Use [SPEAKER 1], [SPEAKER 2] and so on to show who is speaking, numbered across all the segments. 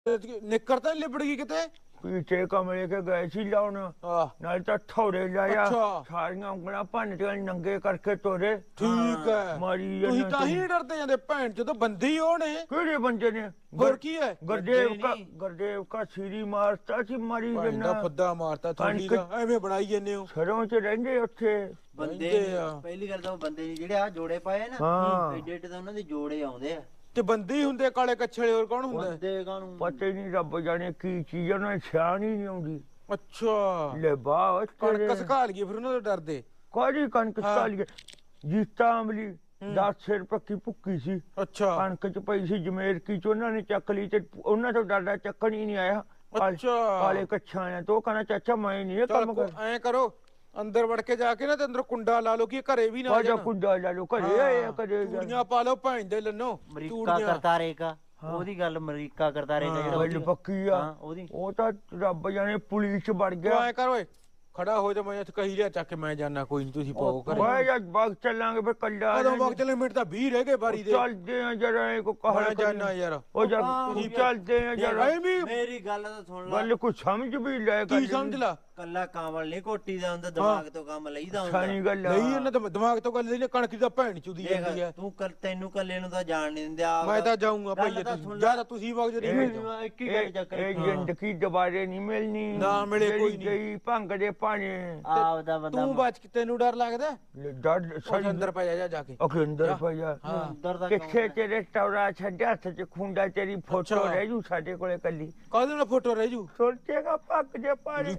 [SPEAKER 1] ਨਿੱਕਰ ਤਾਂ ਨੀ ਲਿਬੜ ਗਈ ਕਿਤੇ।
[SPEAKER 2] ਪੀਛੇ ਕਮਰੇ ਕੇ ਗਏ ਸੀ ਲਾਉਣ, ਨਾਲ ਤਾਂ ਥੋੜੇ ਲਾਇਆ, ਸਾਰੀਆਂ ਉਂਗਲਾਂ ਭੰਨ ਕੇ ਨੰਗੇ ਕਰਕੇ ਤੋਰੇ।
[SPEAKER 1] ਠੀਕ ਹੈ,
[SPEAKER 2] ਮਾਰੀ
[SPEAKER 1] ਤੁਸੀਂ ਤਾਂ ਹੀ ਨੀ ਡਰਦੇ ਜਾਂਦੇ ਭੈਣ ਜਦੋਂ ਬੰਦੇ ਹੀ ਉਹ ਨੇ।
[SPEAKER 2] ਕਿਹੜੇ ਬੰਦੇ ਨੇ?
[SPEAKER 1] ਹੋਰ ਕੀ ਹੈ?
[SPEAKER 2] ਗੁਰਦੇਵ ਕਾ ਸੀਰੀ ਮਾਰਤਾ ਸੀ, ਮਾਰੀ
[SPEAKER 1] ਜੰਨਾ ਫੁੱਦਾ ਮਾਰਤਾ ਥੋੜੀ ਦਾ, ਐਵੇਂ ਬਣਾਈ ਜੰਨੇ ਹੋ।
[SPEAKER 2] ਸਰੋਂ ਚ ਰਹਿੰਦੇ ਉੱਥੇ
[SPEAKER 3] ਬੰਦੇ। ਪਹਿਲੀ ਗੱਲ ਤਾਂ ਉਹ ਬੰਦੇ ਨਹੀਂ ਜਿਹੜੇ ਆ ਜੋੜੇ ਪਾਏ ਨਾ, ਏਡੇ ਏਡੇ ਤਾਂ ਉਹਨਾਂ ਦੇ ਜੋੜੇ ਆਉਂਦੇ ਆ।
[SPEAKER 1] ਤੇ ਬੰਦੇ ਹੀ ਹੁੰਦੇ ਕਾਲੇ ਕੱਛੜੇ, ਹੋਰ ਕੌਣ ਹੁੰਦਾ?
[SPEAKER 3] ਬੰਦੇ ਕਾਹਨੂੰ
[SPEAKER 2] ਪਤਾ ਹੀ ਨਹੀਂ, ਰੱਬ ਜਾਣੇ ਕੀ ਚੀਜ਼ ਉਹਨਾਂ ਨੂੰ ਸਿਆਣ ਹੀ ਨਹੀਂ ਆਉਂਦੀ।
[SPEAKER 1] ਅੱਛਾ
[SPEAKER 2] ਲੈ ਬਾਹ
[SPEAKER 1] ਕਣਕ ਸੁਕਾ ਲਈਏ ਫਿਰ ਉਹਨਾਂ ਤੋਂ ਡਰਦੇ।
[SPEAKER 2] ਕਾਹਦੀ ਕਣਕ ਸੁਕਾ ਲਈਏ? ਜੀਤਾ ਅਮਲੀ 10 ਰੁਪਏ ਕੀ ਭੁੱਕੀ ਸੀ,
[SPEAKER 1] ਅੱਛਾ
[SPEAKER 2] ਕਣਕ ਚ ਪਈ ਸੀ ਜਮੇਰ ਕੀ ਚ, ਉਹਨਾਂ ਨੇ ਚੱਕ ਲਈ ਤੇ ਉਹਨਾਂ ਤੋਂ ਡਰਦਾ ਚੱਕਣ ਹੀ ਨਹੀਂ ਆਇਆ।
[SPEAKER 1] ਅੱਛਾ
[SPEAKER 2] ਕਾਲੇ ਕੱਛਾਂ ਨੇ ਤੋਂ ਕਹਿੰਦਾ ਚਾਚਾ ਮੈਂ ਨਹੀਂ ਇਹ ਕੰਮ ਕਰ।
[SPEAKER 1] ਐ ਕਰੋ ਅੰਦਰ ਵੜ ਕੇ ਜਾ ਕੇ ਨਾ ਤੇ ਅੰਦਰ ਕੁੰਡਾ ਲਾ ਲਓ ਕਿ ਘਰੇ ਵੀ ਨਾ ਆ ਜਾਣ।
[SPEAKER 2] ਕੁੰਡਾ ਲਾ ਲਓ ਘਰੇ ਆਏ ਕਰੇ
[SPEAKER 1] ਚੂੜੀਆਂ ਪਾ ਲਓ ਭੈਣ ਦੇ ਲੰਨੋ।
[SPEAKER 3] ਅਮਰੀਕਾ ਕਰਤਾਰੇ ਕਾ, ਉਹਦੀ ਗੱਲ ਅਮਰੀਕਾ ਕਰਤਾਰੇ ਕਾ ਜਿਹੜਾ
[SPEAKER 2] ਪੱਕੀ ਆ
[SPEAKER 3] ਉਹਦੀ,
[SPEAKER 2] ਉਹ ਤਾਂ ਰੱਬ ਜਾਣੇ ਪੁਲਿਸ ਵੜ ਗਿਆ।
[SPEAKER 1] ਐ ਕਰ ਓਏ ਖੜਾ ਹੋ ਜਾ, ਮੈਂ ਇੱਥੇ ਕਹੀ ਲਿਆ ਚੱਕ ਕੇ ਮੈਂ ਜਾਣਾ, ਕੋਈ ਨਹੀਂ ਤੁਸੀਂ ਪਾਓ ਕਰ।
[SPEAKER 2] ਓਏ ਯਾਰ ਬਾਗ ਚੱਲਾਂਗੇ ਫਿਰ ਕੱਲਾ।
[SPEAKER 1] ਕਦੋਂ ਬਾਗ ਚੱਲੇ? ਮਿੰਟ ਤਾਂ 20 ਰਹਿ ਗਏ ਬਾਰੀ ਦੇ।
[SPEAKER 2] ਚੱਲਦੇ ਆ ਜਰਾ ਇਹ ਕੋ ਕਹਾ
[SPEAKER 1] ਜਾਣਾ ਯਾਰ।
[SPEAKER 2] ਉਹ ਜਾ ਚੱਲਦੇ ਆ ਜਰਾ।
[SPEAKER 3] ਮੇਰੀ ਗੱਲ ਤਾਂ ਸੁਣ ਲੈ।
[SPEAKER 2] ਗੱਲ ਕੁਝ ਸਮਝ ਵੀ ਲੈ।
[SPEAKER 1] ਕੀ ਸਮਝ ਲਾ?
[SPEAKER 3] ਕੱਲਾ ਕਾਮਲ ਨਹੀਂ ਕੋਟੀ ਦਾ ਹੁੰਦਾ, ਦਿਮਾਗ ਤੋਂ ਕੰਮ ਲਈਦਾ ਹੁੰਦਾ।
[SPEAKER 2] ਸਾਰੀ ਗੱਲ
[SPEAKER 1] ਨਹੀਂ ਇਹਨਾਂ ਤੇ ਦਿਮਾਗ ਤੋਂ ਗੱਲ ਨਹੀਂ, ਕਣਕ ਦੀ ਤਾਂ ਭੈਣ ਚੁਦੀ ਜਾਂਦੀ ਹੈ।
[SPEAKER 3] ਤੂੰ ਤੈਨੂੰ ਕੱਲੇ ਨੂੰ ਤਾਂ ਜਾਣ ਨਹੀਂ ਦਿੰਦੇ ਆ।
[SPEAKER 1] ਮੈਂ ਤਾਂ ਜਾਊਂਗਾ ਭਾਈ, ਜਿਆਦਾ ਤੁਸੀਂ ਵਗ ਜੇ
[SPEAKER 3] ਇੱਕ ਹੀ ਗੱਲ ਚੱਕਰ।
[SPEAKER 2] ਇਹ ਜ਼ਿੰਦਗੀ ਦੁਬਾਰੇ ਨਹੀਂ ਮਿਲਣੀ,
[SPEAKER 1] ਨਾ ਮਿਲੇ ਕੋਈ
[SPEAKER 2] ਗਈ ਭੰਗ ਦੇ ਪਾਣੀ।
[SPEAKER 3] ਆਪਦਾ ਬੰਦਾ
[SPEAKER 1] ਤੂੰ ਬਚ ਕੇ, ਤੈਨੂੰ ਡਰ ਲੱਗਦਾ?
[SPEAKER 2] ਡਰ
[SPEAKER 1] ਸਾਡੇ ਅੰਦਰ ਪੈ ਜਾ ਕੇ।
[SPEAKER 2] ਅਖੇ ਅੰਦਰ ਪੈ ਜਾ। ਕਿੱਥੇ ਤੇਰੇ ਟੌਰਾ ਛੱਡਿਆ ਹੱਥ ਚ ਖੁੰਡਾ, ਤੇਰੀ ਫੋਟੋ ਰਹਿ ਜੂ ਸਾਡੇ ਕੋਲੇ ਕੱਲੀ।
[SPEAKER 1] ਕਾਹਦੇ ਨਾਲ ਫੋਟੋ ਰਹਿ ਜੂ?
[SPEAKER 2] ਸੋਚੇਗਾ ਭੱਗ ਦੇ ਪਾਣੀ।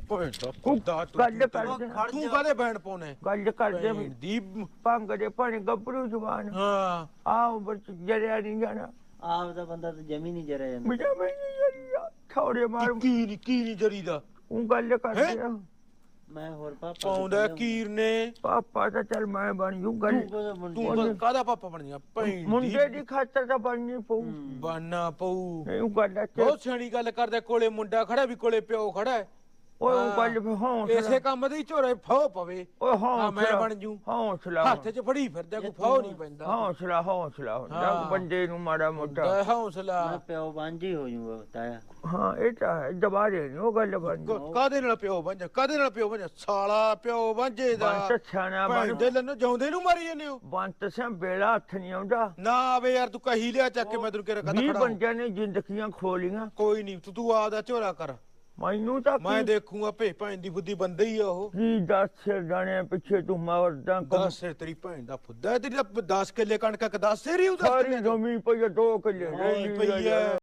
[SPEAKER 2] ਗੱਲ ਕਰਦੇ
[SPEAKER 1] ਤੂੰ ਕਾਹਦੇ ਬੈਣ ਪਾਉਣੇ?
[SPEAKER 2] ਗੱਲ ਕਰਦੇ
[SPEAKER 1] ਦੀ
[SPEAKER 2] ਭੰਗ ਦੇ ਪਾਣੀ ਗੱਭਰੂ ਜਵਾਨ।
[SPEAKER 1] ਹਾਂ
[SPEAKER 2] ਆਹ ਬਚ ਜਰਿਆ ਨਹੀਂ ਜਾਣਾ।
[SPEAKER 3] ਆਪਦਾ ਬੰਦਾ ਤਾਂ ਜਮੀ ਨਹੀਂ ਜਰਿਆ ਜਾਂਦਾ।
[SPEAKER 2] ਮੇਰਾ ਮੈਂ ਨਹੀਂ ਜਰੀਆ ਥੋੜੇ ਮਾਰ
[SPEAKER 1] ਕੀ ਨਹੀਂ ਜਰੀਦਾ।
[SPEAKER 2] ਉਹ ਗੱਲ ਕਰਦੇ ਆ
[SPEAKER 3] ਮੈਂ ਹੋਰ ਪਾਪਾ
[SPEAKER 1] ਪਾਉਂਦਾ ਕੀਰ ਨੇ।
[SPEAKER 2] ਪਾਪਾ ਤਾਂ ਚੱਲ ਮੈਂ ਬਣ ਜੂ ਗੱਲ।
[SPEAKER 1] ਤੂੰ ਕਾਹਦਾ ਪਾਪਾ ਬਣ ਗਿਆ? ਭੈਣ
[SPEAKER 2] ਮੁੰਡੇ ਦੀ ਖਾਤਰ ਤਾਂ ਬਣਨੀ ਪਊ,
[SPEAKER 1] ਬਣਨਾ ਪਊ।
[SPEAKER 2] ਇਹ ਗੱਲ
[SPEAKER 1] ਬਹੁਤ ਸਿਆਣੀ ਗੱਲ ਕਰਦਾ। ਕੋਲੇ ਮੁੰਡਾ ਖੜਾ ਵੀ ਕੋਲੇ ਪਿਓ ਖੜਾ ਹੈ।
[SPEAKER 2] ਓਏ ਉਹ ਗੱਲ ਫੇ ਹੌਸਲਾ,
[SPEAKER 1] ਇਸੇ ਕੰਮ ਦੇ ਝੋਰੇ ਫਾਹ ਪਵੇ।
[SPEAKER 2] ਓਏ ਹੌਸਲਾ
[SPEAKER 1] ਮੈਂ ਬਣ ਜੂ।
[SPEAKER 2] ਹੌਸਲਾ
[SPEAKER 1] ਹੱਥ 'ਚ ਫੜੀ ਫਿਰਦਾ, ਕੋਈ ਫਾਹ ਨਹੀਂ ਪੈਂਦਾ।
[SPEAKER 2] ਹੌਸਲਾ ਹੁੰਦਾ ਬੰਦੇ ਨੂੰ ਮਾੜਾ ਮੋਟਾ
[SPEAKER 1] ਹੌਸਲਾ।
[SPEAKER 3] ਮੈਂ ਪਿਓ ਬਾਂਝੀ ਹੋ ਜੂਗਾ ਤਾਇਆ।
[SPEAKER 2] ਹਾਂ ਇਹ ਤਾਂ ਹੈ, ਦੁਬਾਰੇ ਨੀ ਉਹ ਗੱਲ ਬਣਦੀ।
[SPEAKER 1] ਕਾਹਦੇ ਨਾਲ ਪਿਓ ਬਣ ਜਾ? ਕਾਹਦੇ ਨਾਲ ਪਿਓ ਬਣ ਜਾ? ਸਾਲਾ ਪਿਓ ਬਾਂਝੇ ਦਾ।
[SPEAKER 2] ਬੰਤ ਸਿਆਣਾ
[SPEAKER 1] ਭੈਣ ਦੇ ਲੰਨੋ ਜਾਉਂਦੇ ਨੂੰ ਮਾਰੀ ਜਾਂਦੇ ਹੋ।
[SPEAKER 2] ਬੰਤ ਸਿਆ ਬੇੜਾ ਹੱਥ ਨਹੀਂ ਆਉਂਦਾ।
[SPEAKER 1] ਨਾ ਆਵੇ ਯਾਰ, ਤੂੰ ਕਹੀ ਲਿਆ ਚੱਕ ਕੇ, ਮੈਂ ਤੈਨੂੰ ਕਿਹਾ ਕਦਾ
[SPEAKER 2] 20
[SPEAKER 1] ਖੜਾ।
[SPEAKER 2] ਬੰਦਿਆਂ ਨੇ ਜ਼ਿੰਦਗੀਆਂ ਖੋਲੀਆਂ।
[SPEAKER 1] ਕੋਈ ਨਹੀਂ, ਤੂੰ ਆਪਦਾ ਝੋਰਾ ਕਰ,
[SPEAKER 2] ਮੈਨੂੰ ਤਾਂ
[SPEAKER 1] ਮੈਂ ਦੇਖੂਗਾ। ਭੈਣ ਦੀ ਬੁੱਧੀ ਬੰਦੇ ਹੀ ਆ ਉਹ।
[SPEAKER 2] ਕੀ 10 ਸਿਰ ਜਾਣੇ ਪਿੱਛੇ ਤੂੰ ਮਰਦਾ।
[SPEAKER 1] 10 ਸਿਰ ਤੇਰੀ ਭੈਣ ਦਾ ਫੁੱਦਾ। ਤੇਰੀ 10 ਕਿੱਲੇ ਕਣਕ 10 ਸਿਰ ਹੀ ਉਹਦਾ।
[SPEAKER 2] ਸਾਰੀ ਜ਼ਮੀਨ ਪਈ 2 ਕਿੱਲੇ
[SPEAKER 1] ਪਈ ਹੈ।